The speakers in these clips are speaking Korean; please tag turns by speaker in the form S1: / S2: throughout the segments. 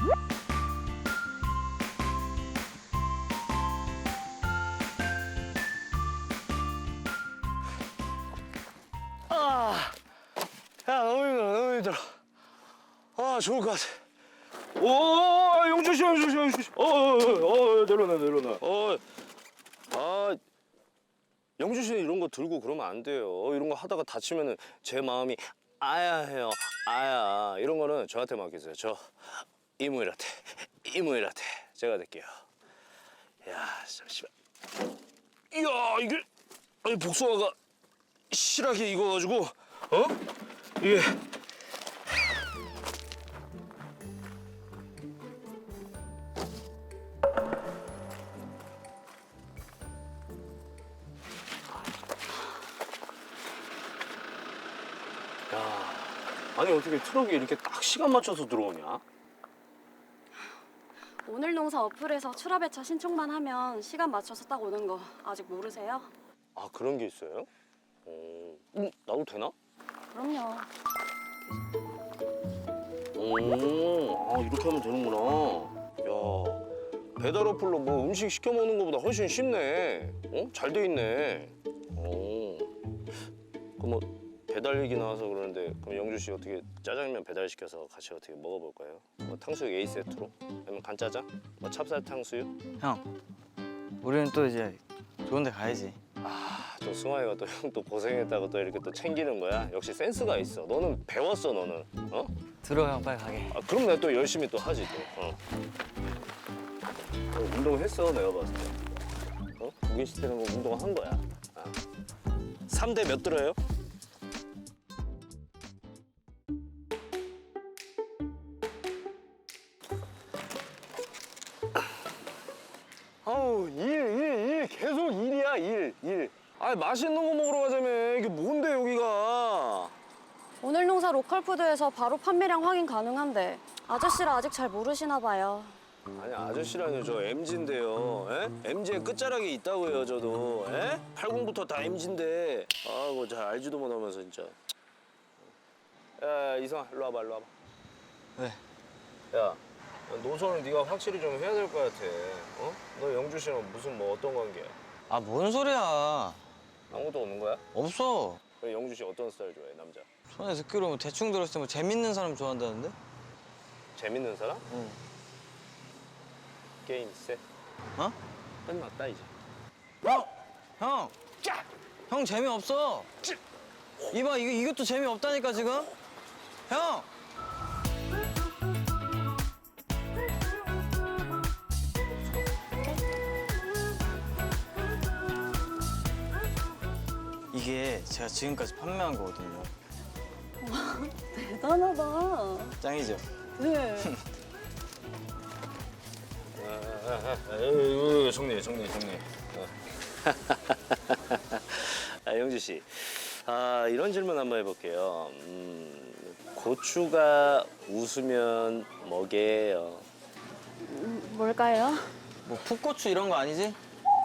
S1: 아, 야, 너무 힘들어, 너무 힘들어. 아, 좋을 것 같아. 오, 영주 씨, 영주 씨, 영주 씨. 내려놔, 내려놔. 영주 씨는 이런 거 들고 그러면 안 돼요. 이런 거 하다가 다치면은 제 마음이 아야 해요. 아야. 이런 거는 저한테 맡기세요. 저 이무일한테, 이무일한테 제가 될게요. 야, 잠시만. 이야, 이게 아니 복숭아가 실하게 익어가지고, 이게. 야, 아니 어떻게 트럭이 이렇게 딱 시간 맞춰서 들어오냐?
S2: 오늘 농사 어플에서 출하배차 신청만 하면 시간 맞춰서 딱 오는 거 아직 모르세요?
S1: 아, 그런 게 있어요? 나도 되나?
S2: 그럼요.
S1: 이렇게 하면 되는구나. 야, 배달 어플로 뭐 음식 시켜 먹는 것보다 훨씬 쉽네. 잘 돼 있네. 그럼 뭐 배달 얘기 나와서 그러는데, 그럼 영주 씨 어떻게 짜장면 배달시켜서 같이 어떻게 먹어볼까요? 뭐 탕수육 A 세트로? 아니면 간짜장? 뭐 찹쌀 탕수육?
S3: 형, 우리는 또 이제 좋은 데 가야지.
S1: 아, 또 승환이가 또 형 또 고생했다고 또 이렇게 또 챙기는 거야? 역시 센스가 있어. 너는 배웠어, 너는.
S3: 들어, 형, 빨리 가게.
S1: 아, 그럼 내가 또 열심히 또 하지 또. 운동했어, 내가 봤을 때. 무게 시키는 거 운동한 거야. 3대 몇 들어요? 아우, 일. 계속 일이야, 일. 아, 맛있는 거 먹으러 가자며. 이게 뭔데, 여기가.
S2: 오늘 농사 로컬푸드에서 바로 판매량 확인 가능한데 아저씨라 아직 잘 모르시나 봐요.
S1: 아니, 아저씨라뇨. 저 MG인데요. MG의 끝자락에 있다고요, 저도. 80부터 다 MG인데. 아이고, 잘 알지도 못하면서, 진짜. 야, 이성아, 일로 와봐, 일로 와봐.
S3: 왜?
S1: 야, 노선을 네가 확실히 좀 해야 될 것 같아. 너 영주 씨랑 무슨 뭐 어떤 관계야?
S3: 아, 뭔 소리야.
S1: 아무것도 없는 거야?
S3: 없어.
S1: 그럼 영주 씨 어떤 스타일 좋아해, 남자?
S3: 손에 듣기로 뭐 대충 들었을 때 뭐 재밌는 사람 좋아한다는데?
S1: 재밌는 사람?
S3: 응.
S1: 게임 세?
S3: 어?
S1: 끝났다, 이제.
S3: 형! 형 재미없어. 이봐, 이것도 재미없다니까, 지금? 형! 이게 제가 지금까지 판매한 거거든요.
S2: 대단하다.
S3: 짱이죠?
S2: 네.
S1: 정리. 영주 씨, 이런 질문 한번 해볼게요. 고추가 웃으면 뭐게요?
S2: 뭘까요?
S3: 뭐 풋고추 이런 거 아니지?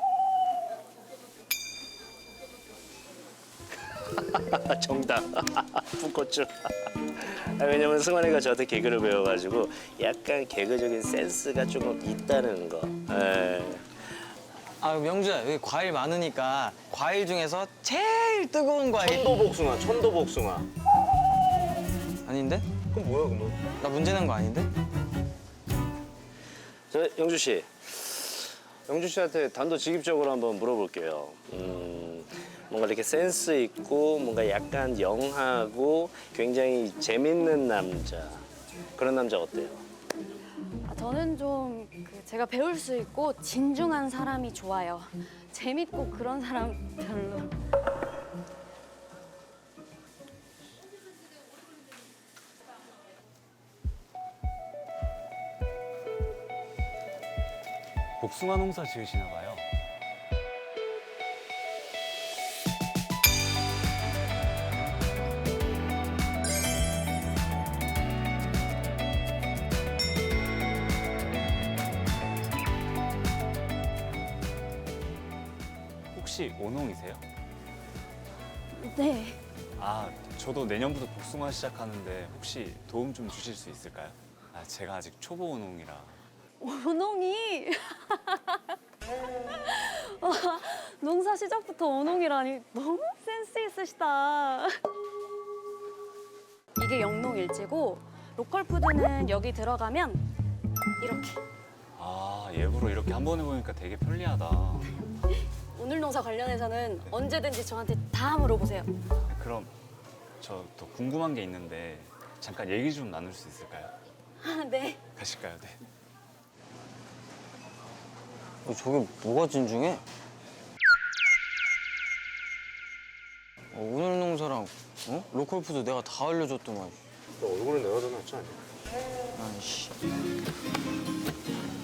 S1: 정답. 풋고추. 왜냐면 승환이가 저한테 개그를 배워가지고 약간 개그적인 센스가 조금 있다는 거.
S3: 아, 명주야, 여기 과일 많으니까 과일 중에서 제일 뜨거운 과일.
S1: 천도복숭아.
S3: 아닌데?
S1: 그럼 뭐야, 그럼?
S3: 나 문제 낸 거 아닌데?
S1: 저 영주 씨, 영주 씨한테 단도직입적으로 한번 물어볼게요. 뭔가 이렇게 센스 있고 뭔가 약간 영하고 굉장히 재밌는 남자, 그런 남자 어때요?
S2: 저는 좀 제가 배울 수 있고 진중한 사람이 좋아요. 재밌고 그런 사람 별로.
S4: 복숭아 농사 지으시나 봐요. 혹시 오농이세요?
S2: 네.
S4: 아, 저도 내년부터 복숭아 시작하는데 혹시 도움 좀 주실 수 있을까요? 아, 제가 아직 초보 오농이라.
S2: 오농이 와, 농사 시작부터 오농이라니 너무 센스 있으시다. 이게 영농일지고 로컬 푸드는 여기 들어가면 이렇게.
S4: 아, 예부로 이렇게 한 번 해보니까 되게 편리하다.
S2: 오늘 농사 관련해서는 언제든지 저한테 다 물어보세요.
S4: 그럼 저 또 궁금한 게 있는데 잠깐 얘기 좀 나눌 수 있을까요?
S2: 아, 네.
S4: 가실까요? 네.
S3: 저게 뭐가 진중해? 오늘 농사랑 로컬 푸드 내가 다 알려줬더만.
S1: 얼굴은 내가 더 낫지 않냐?
S3: 아이씨.